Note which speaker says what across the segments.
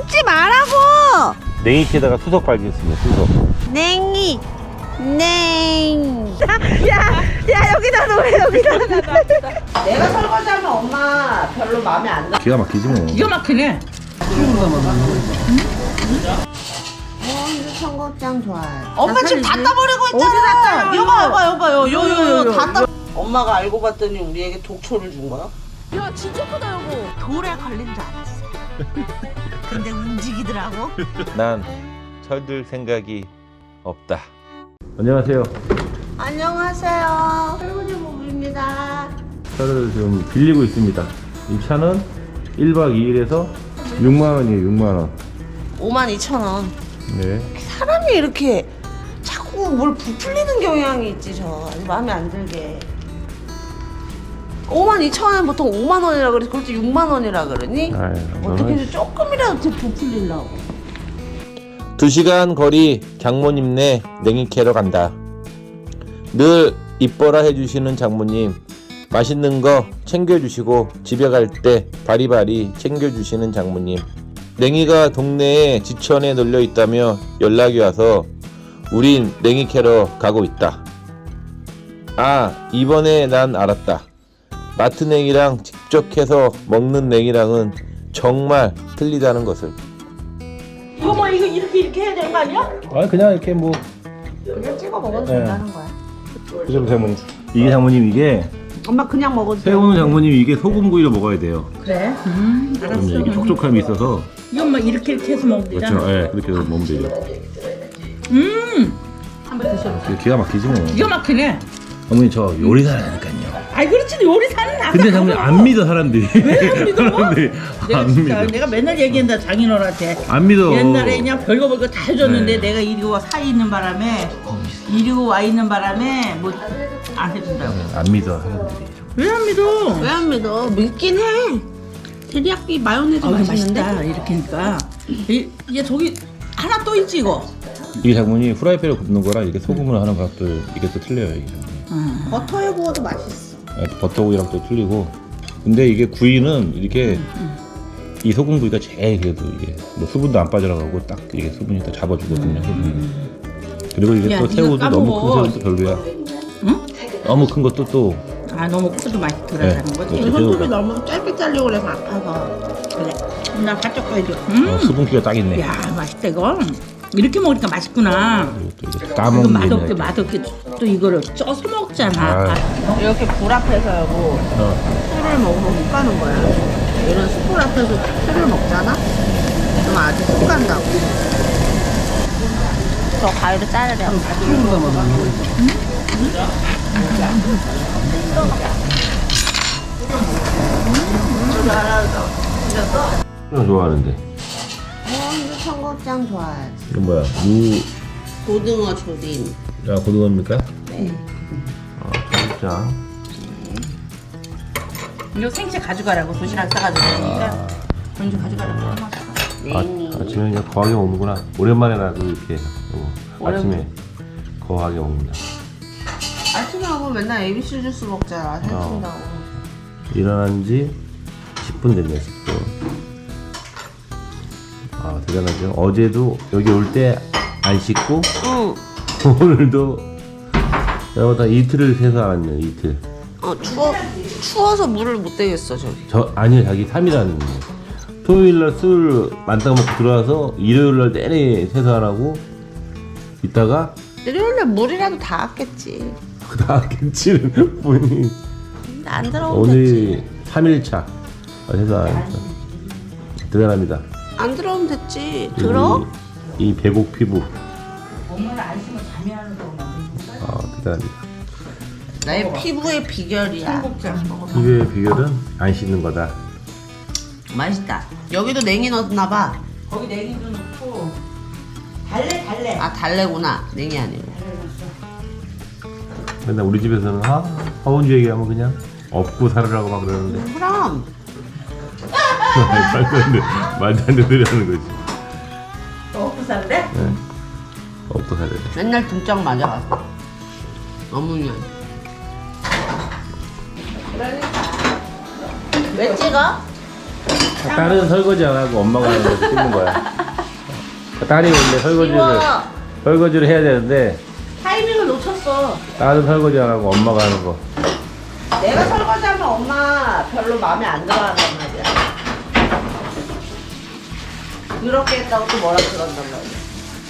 Speaker 1: 먹지 말라고.
Speaker 2: 냉이에다가 수석 발견했습니다. 수석.
Speaker 1: 냉이 야 여기다 놓으래 여기다. 내가 설거지하면 엄마 별로 마음에 안 들어.
Speaker 2: 기가 막히지 뭐.
Speaker 3: 기가 막히네.
Speaker 1: 청국장 좋아해.
Speaker 3: 엄마 지금 다 따버리고 있잖아. 여봐. 요요요. 다 따.
Speaker 4: 엄마가 알고 봤더니 우리에게 독초를 준 거야?
Speaker 3: 야 진짜 크다 여보.
Speaker 1: 돌에 걸린 줄 알았어. 근데 움직이더라고.
Speaker 2: 난 철들 생각이 없다. 안녕하세요.
Speaker 1: 안녕하세요. 할머니 모부입니다.
Speaker 2: 차를 좀 빌리고 있습니다. 이 차는 1박 2일에서 6만원이에요. 6만원.
Speaker 4: 52,000원.
Speaker 2: 네.
Speaker 4: 사람이 이렇게 자꾸 뭘 부풀리는 경향이 있지 저. 아주 마음에 안 들게. 52,000원에 보통 5만 원이라 그러지 그걸 또 6만 원이라 그러니?
Speaker 2: 아유,
Speaker 4: 어떻게든 조금이라도 더 부풀리려고.
Speaker 2: 2시간 거리 장모님네 냉이 캐러 간다. 늘 이뻐라 해주시는 장모님, 맛있는 거 챙겨주시고 집에 갈 때 바리바리 챙겨주시는 장모님. 냉이가 동네에 지천에 널려 있다며 연락이 와서 우린 냉이 캐러 가고 있다. 아, 이번에 난 알았다. 마트 냉이랑 직접 해서 먹는 냉이랑은 정말 틀리다는 것을.
Speaker 3: 이거 뭐 이거 이렇게 해야 되는 거 아니야?
Speaker 2: 아, 그냥 이렇게 뭐
Speaker 4: 그냥 찍어 먹어도
Speaker 2: 네.
Speaker 4: 된다는 거야.
Speaker 2: 그죠, 장모님. 이게 장모님, 이게
Speaker 4: 엄마 그냥 먹어도 돼.
Speaker 2: 새우는 장모님 이게 소금구이로 먹어야 돼요.
Speaker 3: 그래.
Speaker 2: 그럼 이게 촉촉함이 있어서.
Speaker 3: 이건 뭐 이렇게 해서 먹으면 되잖아.
Speaker 2: 그렇죠. 예, 그렇게 해서 먹으면 되죠.
Speaker 3: 한번 드셔보세요.
Speaker 2: 기가 막히지 뭐.
Speaker 3: 기가 막히네.
Speaker 2: 어머니 저 요리사라니까요.
Speaker 3: 아이 그렇지 요리사는 나.
Speaker 2: 근데 장모님 안 믿어 사람들이.
Speaker 3: 왜 안 믿어?
Speaker 2: 사람들이
Speaker 3: 내가
Speaker 2: 안
Speaker 3: 진짜
Speaker 2: 믿어.
Speaker 3: 내가 맨날 얘기한다 장인어른한테.
Speaker 2: 안 믿어.
Speaker 3: 옛날에 그냥 별거 별거 다 해줬는데
Speaker 2: 네.
Speaker 3: 내가 이리고 사 있는 바람에 이리고 와 있는 바람에 뭐 안 해준다고.
Speaker 2: 안 믿어 사람들이.
Speaker 3: 왜 안 믿어?
Speaker 4: 왜 안 믿어? 믿긴 해. 테리야끼 마요네즈
Speaker 3: 아
Speaker 4: 맛있는데?
Speaker 3: 맛있다 이렇게 하니까. 이게 저기 하나 또 있지 이거.
Speaker 2: 이게 장모님 후라이팬에 굽는 거랑 이게 소금으로 하는 거랑 또 이게 또 틀려요. 이게.
Speaker 4: 버터에 구워도 맛있어.
Speaker 2: 버터구이랑 또 틀리고. 근데 이게 구이는 이렇게 이 소금구이가 제일 그래도 이게 뭐 수분도 안 빠져나가고 딱 이게 수분이 다 잡아주거든요. 수분이. 그리고 이게
Speaker 3: 야,
Speaker 2: 또
Speaker 3: 네가
Speaker 2: 새우도 너무
Speaker 3: 까먹어.
Speaker 2: 큰 새우도 별로야.
Speaker 3: 응?
Speaker 2: 너무 큰 것도 또
Speaker 3: 아 너무 크도 맛이 들어가는
Speaker 2: 네.
Speaker 3: 거지.
Speaker 2: 그렇죠.
Speaker 4: 손톱이 너무 짧게 잘리고 그래서 아파서.
Speaker 3: 그래. 나 바짝 가야죠.
Speaker 2: 수분기가 딱 있네.
Speaker 3: 야 맛있다 이거. 이렇게 먹으니까 맛있구나.
Speaker 2: 그리고 또 이게
Speaker 3: 이거
Speaker 2: 까먹는
Speaker 3: 맛없게
Speaker 2: 게
Speaker 3: 맛없게 또 이거를 쪄서 먹잖아.
Speaker 2: 아.
Speaker 4: 이렇게 불 앞에서 여보 술을 먹으면 훅 가는 거야. 이런 숯불 앞에서 술을 먹잖아? 그럼 아주 훅 간다고. 저 가위로 자르려.
Speaker 2: 좋아하는데.
Speaker 1: 근데 청국장 좋아해.
Speaker 2: 이건 뭐야?
Speaker 4: 고등어 조림.
Speaker 2: 고등어입니까?
Speaker 4: 네.
Speaker 2: 청국장.
Speaker 3: 이거 생채 가져가라고 도시락 싸가지고 그러니까 먼저 가져가라고.
Speaker 2: 아침에 그냥 거하게 먹는구나. 오랜만에 나도 이렇게 아침에 거하게 먹는다.
Speaker 4: 아침에 하고 맨날 ABC 주스 먹잖아. 살찐다고.
Speaker 2: 일어난 지 10분 됐네. 10분. 아, 대단하죠. 어제도 여기 올 때 안 씻고
Speaker 4: 응.
Speaker 2: 오늘도 내가 이틀을 새서 안 왔네요. 이틀.
Speaker 4: 추워서 물을 못 대겠어 저기.
Speaker 2: 아니요, 자기 3일 왔는데 토요일날 술 만땅 먹고 들어와서 일요일날 내내 세수 안 하고 있다가
Speaker 4: 일요일에 물이라도 닿았겠지.
Speaker 2: 그 다음 김치는 분이
Speaker 4: 안 들어오면 됐지.
Speaker 2: 오늘 3일차 세수 안 했어. 대단합니다.
Speaker 4: 안 들어오면 됐지. 들어?
Speaker 2: 이 배곡 피부.
Speaker 3: 엄마는 안 씻으면 잠이 안 오고.
Speaker 2: 대단합니다.
Speaker 4: 나의 피부의 비결이야.
Speaker 3: 청국장.
Speaker 2: 피부의 비결은 안 씻는 거다.
Speaker 4: 맛있다. 여기도 냉이 넣었나 봐.
Speaker 3: 거기 냉이도 넣고 달래.
Speaker 4: 아 달래구나. 냉이 아니고.
Speaker 2: 맨날 우리 집에서는 화원주 얘기하면 그냥 업고 살으라고 막 그러는데
Speaker 4: 그럼
Speaker 2: 말도 안 되는 소리 하는 거지.
Speaker 3: 먹고 살래?
Speaker 2: 네. 업고 살아야 돼.
Speaker 4: 맨날 등짝 맞아갔어. 어머니. 왜 찍어?
Speaker 2: 딸은 설거지 안 하고 엄마가 하는 거 찍는 거야. 딸이 원래 설거지를 해야 되는데
Speaker 1: 타이밍을 놓쳤어.
Speaker 2: 딸은 설거지 안 하고 엄마가 하는 거.
Speaker 1: 내가 설거지하면 엄마 별로 마음에 안 들어한단 말이야. 그렇게 했다고 또 뭐라 그런단 말이야.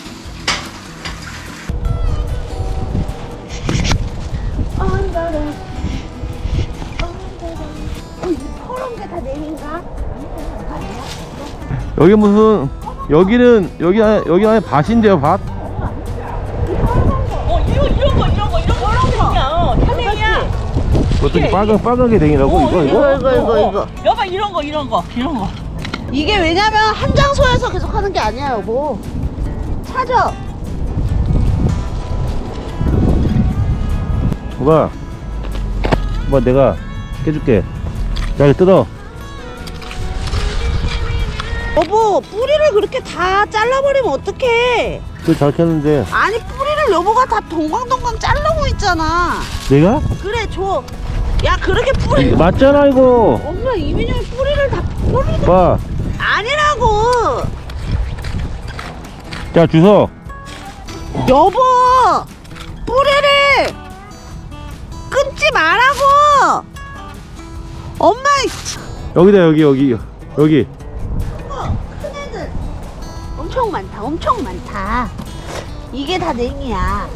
Speaker 2: 여기 무슨 여기 안에 밭인데요, 밭?
Speaker 3: 현행이야.
Speaker 2: 어떻게 빨갛게 댕이라고 이거?
Speaker 3: 여봐 이런 거.
Speaker 1: 이게 왜냐면 한 장소에서 계속 하는 게 아니야, 여보. 찾아.
Speaker 2: 봐, 내가 깨줄게. 야, 이거 뜯어.
Speaker 1: 여보, 뿌리를 그렇게 다 잘라버리면 어떡해.
Speaker 2: 그거 잘 켰는데.
Speaker 1: 아니, 뿌리를 여보가 다 동광동광 자르고 있잖아.
Speaker 2: 내가?
Speaker 1: 그래, 줘. 야, 그렇게 뿌리.
Speaker 2: 맞잖아, 이거.
Speaker 1: 엄마, 이민영이 뿌리를 다 뿌리를
Speaker 2: 봐.
Speaker 1: 아니라고.
Speaker 2: 자, 주워.
Speaker 1: 여보, 뿌리를 끊지 말라고. 엄마,
Speaker 2: 여기다, 여기.
Speaker 1: 큰 애들 엄청 많다. 이게 다 냉이야.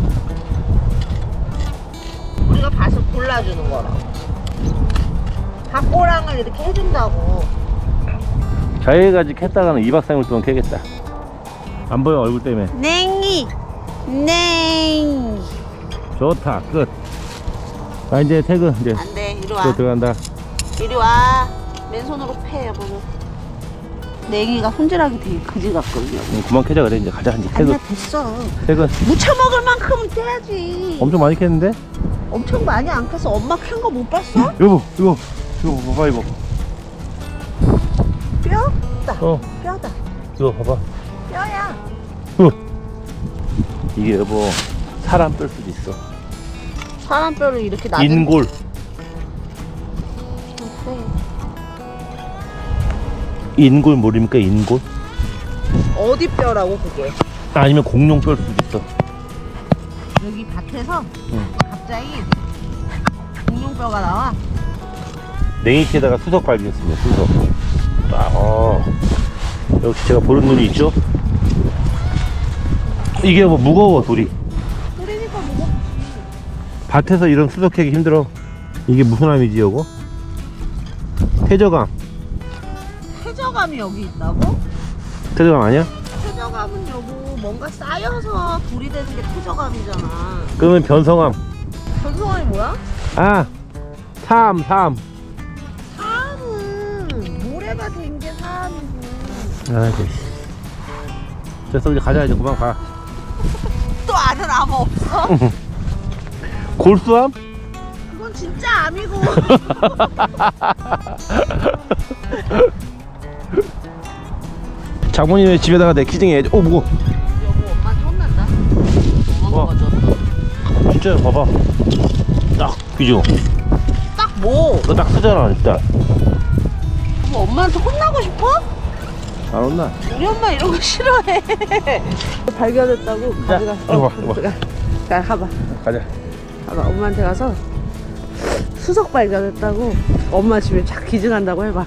Speaker 1: 우리가 밭을 골라주는 거라고. 밭고랑을 이렇게 해준다고.
Speaker 2: 자해가지 캤다가는 2박 3일 동안 캐겠다. 안 보여, 얼굴 때문에.
Speaker 1: 냉이.
Speaker 2: 좋다, 끝. 아, 이제 퇴근, 이제.
Speaker 1: 안 돼, 이리 와.
Speaker 2: 또 들어간다.
Speaker 1: 이리 와. 맨손으로 패, 여보는. 냉이가 손질하기 되게 그지 같거든요.
Speaker 2: 그만 캐자, 그래. 이제 가자, 이제 퇴근.
Speaker 1: 아니야, 됐어.
Speaker 2: 퇴근.
Speaker 1: 무쳐 먹을 만큼은 떼야지.
Speaker 2: 엄청 많이 캤는데?
Speaker 1: 엄청 많이 안 캐서 엄마 캔 거 못 봤어?
Speaker 2: 여보, 이거 봐봐, 이거.
Speaker 1: 뼈다.
Speaker 2: 어,
Speaker 1: 뼈다.
Speaker 2: 이거 봐봐.
Speaker 1: 뼈야.
Speaker 2: 이게 여보, 사람 뺄 수도 있어.
Speaker 1: 사람 뼈를 이렇게 낮은
Speaker 2: 인골. 인골 모릅니까, 인골?
Speaker 1: 어디 뼈라고 그게?
Speaker 2: 아니면 공룡 뺄 수도 있어.
Speaker 1: 여기 밭에서
Speaker 2: 응.
Speaker 1: 갑자기 공룡뼈가 나와.
Speaker 2: 냉이캐다가 수석 발견했습니다, 수석. 역시 제가 보는 눈이 있죠? 이게 뭐 무거워, 돌이.
Speaker 1: 그러니까 뭐
Speaker 2: 밭에서 이런 수석 캐기 힘들어. 이게 무슨 암이지, 요거? 퇴저감.
Speaker 1: 퇴저감이 여기 있다고?
Speaker 2: 퇴저감 아니야?
Speaker 1: 퇴저감은 여보 뭔가 쌓여서 불이 되는 게 퇴저감이잖아.
Speaker 2: 그러면 변성암.
Speaker 1: 변성함이 뭐야?
Speaker 2: 아, 사암.
Speaker 1: 사암은 모래가 된 게 사암이고.
Speaker 2: 아이고. 됐어, 이제 가자, 이제 그만 가.
Speaker 1: 또 아는 암 없어?
Speaker 2: 골수암?
Speaker 1: 그건 진짜 암이고.
Speaker 2: 장모님의 집에다가 내 키징 해야지. 오, 무거워.
Speaker 1: 여보 엄마한테 혼난다. 엄마가 가져왔다.
Speaker 2: 진짜 봐봐. 딱, 그죠?
Speaker 1: 딱 뭐?
Speaker 2: 너 딱 쓰잖아, 일단.
Speaker 1: 뭐 엄마한테 혼나고 싶어?
Speaker 2: 안 온나?
Speaker 1: 우리 엄마 이런 거 싫어해. 발견했다고 가져가.
Speaker 2: 이거 봐.
Speaker 1: 자, 가봐.
Speaker 2: 가자.
Speaker 1: 가봐. 엄마한테 가서 수석 발견했다고 엄마 집에 착 기증한다고 해봐.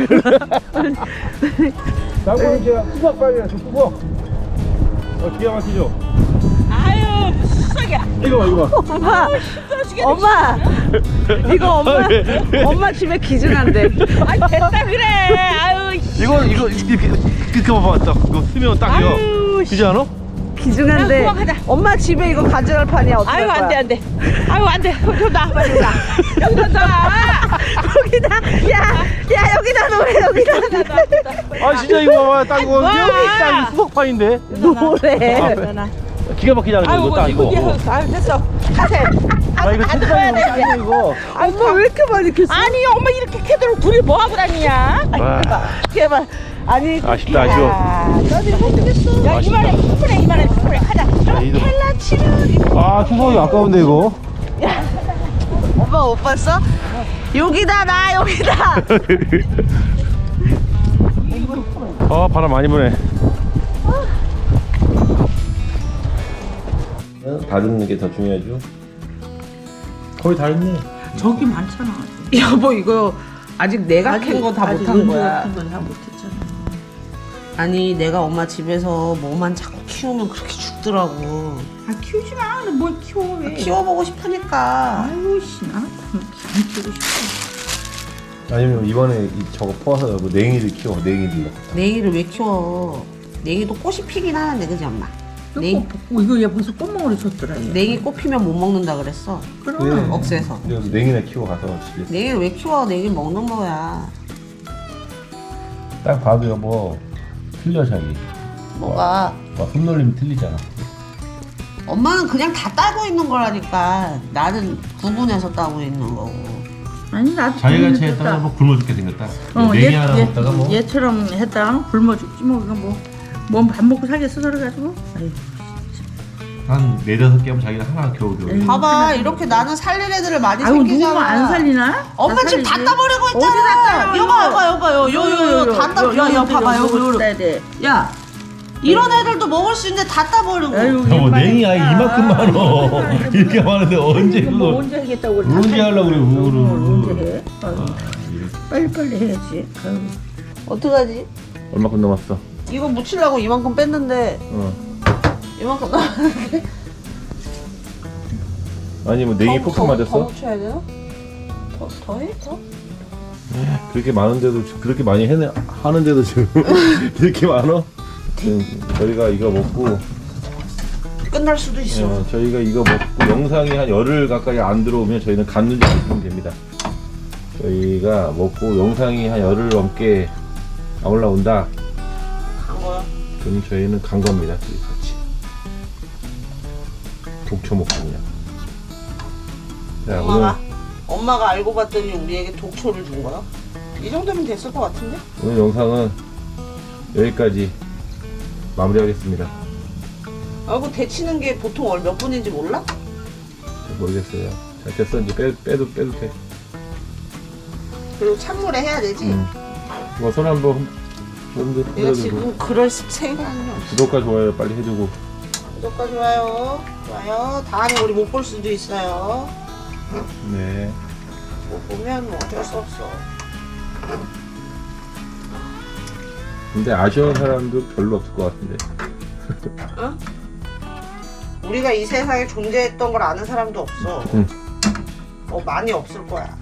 Speaker 2: 장모님 제가 수석 발견 줬고. 기가 막히죠?
Speaker 3: 아유 무슨 수석이야.
Speaker 2: 이거 봐.
Speaker 1: 엄마, 엄마, 이거 엄마 집에 기증한대.
Speaker 3: 아이 됐다 그래. 아유
Speaker 2: 이거 이렇게 봐봐. 딱 이거 쓰면 딱 이거.
Speaker 3: 아유,
Speaker 2: 그지 않아?
Speaker 1: 기증한대.
Speaker 3: 야, 그만 가자.
Speaker 1: 엄마 집에 이거 가져갈 판이야. 어떡할
Speaker 3: 아유
Speaker 1: 거야?
Speaker 3: 안돼. 아유 안돼. 여기 놔 빨리 놔. 여기 놔.
Speaker 1: 여기다. 야 여기다 놓으래 여기다.
Speaker 2: 아 진짜 이거 봐봐. 딱 이거
Speaker 3: 와.
Speaker 2: 딱 이거 수석판인데.
Speaker 1: 노래.
Speaker 2: 기가 막히지 않아?
Speaker 3: 아유
Speaker 2: 이거 딱 이거.
Speaker 3: 아유 됐어. 가세.
Speaker 2: 나 이거 진짜 이거 이거.
Speaker 1: 엄마 왜 이렇게 많이 캤어?
Speaker 3: 아니 엄마 이렇게 캐도록 둘이 뭐 하고 다니냐?
Speaker 2: 와.
Speaker 1: 제발. 아니.
Speaker 2: 아쉽다, 아쉬워.
Speaker 1: 나 이거 어떻겠어?
Speaker 3: 야 이만해 충분해 가자.
Speaker 1: 헬라치료.
Speaker 2: 아 수석이 아까운데 이거.
Speaker 1: 엄마 못 봤어? 여기다 나 여기다.
Speaker 2: 바람 많이 부네. 다 듣는 게 더 중요하죠. 거의 다 했네.
Speaker 3: 저기 많잖아.
Speaker 4: 여보 이거 아직 내가 캔 거 다 못한 거야.
Speaker 3: 다 못했잖아.
Speaker 4: 아니 내가 엄마 집에서 뭐만 자꾸 키우면 그렇게 죽더라고.
Speaker 3: 아 키우지 마. 뭘 키워 왜?
Speaker 4: 키워보고 싶으니까.
Speaker 3: 아유 씨 나는 안 키우고 싶어.
Speaker 2: 아니면 이번에 저거 퍼와서 뭐 냉이를 키워. 냉이를.
Speaker 4: 냉이를 왜 키워? 냉이도 꽃이 피긴 하는데 그지 엄마? 냉
Speaker 3: 이거 얘 벌써 꽃멍울이 줬더라. 얘.
Speaker 4: 냉이 꽃 피면 못 먹는다 그랬어.
Speaker 3: 그럼.
Speaker 4: 억세서.
Speaker 2: 그래서 냉이나 키워 가서 집에서.
Speaker 4: 냉이를 왜 키워? 냉이 먹는 거야.
Speaker 2: 딱 봐도 여보 틀려 자기.
Speaker 4: 뭐가?
Speaker 2: 손놀림 틀리잖아.
Speaker 4: 엄마는 그냥 다 따고 있는 거라니까. 나는 구분해서 따고 있는 거고.
Speaker 3: 아니 나도
Speaker 2: 자기같이 했다가 뭐 굶어 죽게 생겼다.
Speaker 3: 얘,
Speaker 2: 냉이 하나 먹다가 뭐.
Speaker 3: 얘처럼 했다가 굶어 죽지 뭐 이거 뭐 밥 먹고 살겠어 그래가지고. 아유.
Speaker 2: 한 4-5개 하면 자기가 하나 겨우겨우.
Speaker 3: 에이.
Speaker 4: 봐봐 이렇게 나는 살릴 애들을 많이
Speaker 3: 아유 누구
Speaker 4: 생기잖아.
Speaker 3: 안 살리나?
Speaker 4: 엄마
Speaker 3: 다
Speaker 4: 지금 다
Speaker 3: 살리지.
Speaker 4: 따버리고
Speaker 3: 어디
Speaker 4: 있잖아.
Speaker 3: 다 따요?
Speaker 4: 여봐 요요요 다 따. 야 봐봐 요요.
Speaker 3: 따야 돼.
Speaker 4: 야 이런 애들도 먹을 수 있는데 다 따버리고.
Speaker 3: 아유,
Speaker 2: 여보
Speaker 3: 얘
Speaker 2: 냉이 아이
Speaker 3: 빨리
Speaker 2: 이만큼
Speaker 3: 가.
Speaker 2: 많어. 이렇게 많은데 언제
Speaker 3: 뭐
Speaker 2: 그거.
Speaker 3: 언제 하겠다고 그래.
Speaker 2: 언제 하려고 그래, 그거를.
Speaker 3: 언제 해? 아유,
Speaker 2: 이래.
Speaker 3: 빨리 해야지. 아유.
Speaker 4: 어떡하지?
Speaker 2: 얼마큼 남았어?
Speaker 4: 이거 묻히려고 이만큼 뺐는데 이만큼 남았는데.
Speaker 2: 아니 뭐 냉이 폭탄
Speaker 4: 더
Speaker 2: 맞았어?
Speaker 4: 묻혀야 되나? 더 해? 더?
Speaker 2: 그렇게 많은데도 그렇게 많이 하는데도 지금 이렇게 많어? 지금 저희가 이거 먹고
Speaker 4: 끝날 수도 있어.
Speaker 2: 저희가 이거 먹고 영상이 한 열흘 가까이 안 들어오면 저희는 갔는지 보시면 됩니다. 저희가 먹고 영상이 한 열흘 넘게 안 올라온다.
Speaker 4: 간 거야.
Speaker 2: 그럼 저희는 간 겁니다. 둘이 같이 독초 먹고 그냥. 자,
Speaker 4: 엄마가 알고 봤더니 우리에게 독초를 준 거야. 이 정도면 됐을 것 같은데?
Speaker 2: 오늘 영상은 여기까지 마무리하겠습니다.
Speaker 4: 아이고 데치는 게 보통 몇 분인지 몰라?
Speaker 2: 잘 모르겠어요. 자, 됐어. 이제 빼도 돼.
Speaker 4: 그리고 찬물에 해야 되지.
Speaker 2: 이거 손 한번
Speaker 4: 내가
Speaker 2: 해가지고
Speaker 4: 지금 그럴 생각이 없어.
Speaker 2: 구독과 좋아요 빨리 해주고.
Speaker 4: 구독과 좋아요. 다음에 우리 못 볼 수도 있어요.
Speaker 2: 네.
Speaker 4: 못 보면 뭐 어쩔 수 없어.
Speaker 2: 근데 아쉬운 사람도 별로 없을 것 같은데.
Speaker 4: 어? 우리가 이 세상에 존재했던 걸 아는 사람도 없어.
Speaker 2: 응.
Speaker 4: 많이 없을 거야.